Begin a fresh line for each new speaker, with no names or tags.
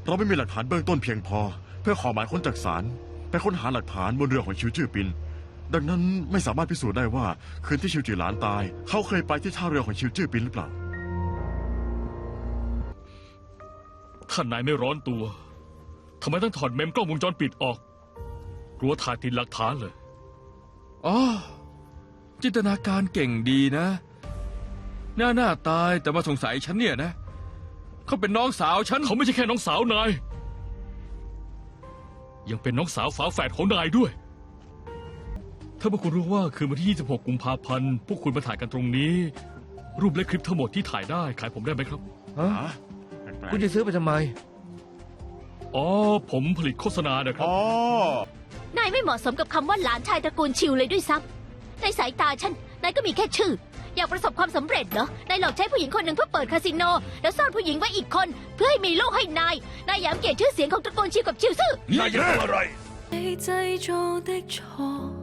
เราไม่มีหลักฐานเบื้องต้นเพียงพอ เพื่อขอหมายค้นจากศาลไปค้นหาหลักฐานบนเรือของชิวจื้อปินดังนั้นไม่สามารถพิสูจน์ได้ว่าคืนที่ชิวจือหลานตายเขาเคยไปที่ท่าเรือของชิวจื้อปินหรือเปล่า
ท่านนายไม่ร้อนตัวทำไมต้องถอดเมมกล้องวงจรปิดออกกลัวถ่ายติดหลักฐานเลย
อ๋อจินตนาการเก่งดีนะหน้าตายแต่มาสงสัยฉันเนี่ยนะเขาเป็นน้องสาวฉัน
เขาไม่ใช่แค่น้องสาวนายยังเป็นน้องสาวฝาแฝดของนายด้วยถ้าพวกคุณรู้ว่าคืนวันที่ 26 กุมภาพันธ์พวกคุณมาถ่ายกันตรงนี้ รูปและคลิปทั้งหมดที่ถ่ายได้ขายผมได้ไหมครับ
คุณจะซื้อไปทำไม
อ๋อผมผลิตโฆษณานะครับ
นายไม่เหมาะสมกับคำว่าหลานชายตระกูลชิวเลยด้วยซ้ำในสายตาฉันนายก็มีแค่ชื่ออยากประสบความสำเร็จเหรอนายหลอกใช้ผู้หญิงคนหนึ่งเพื่อเปิดคาสิโนแล้วซ่อนผู้หญิงไว้อีกคนเพื่อให้มีลูกให้นายหยามเกียรติชื่อเสียงของตระกูลชิวกับชิวซื่อน
ายจะทำอะไร
你製造的錯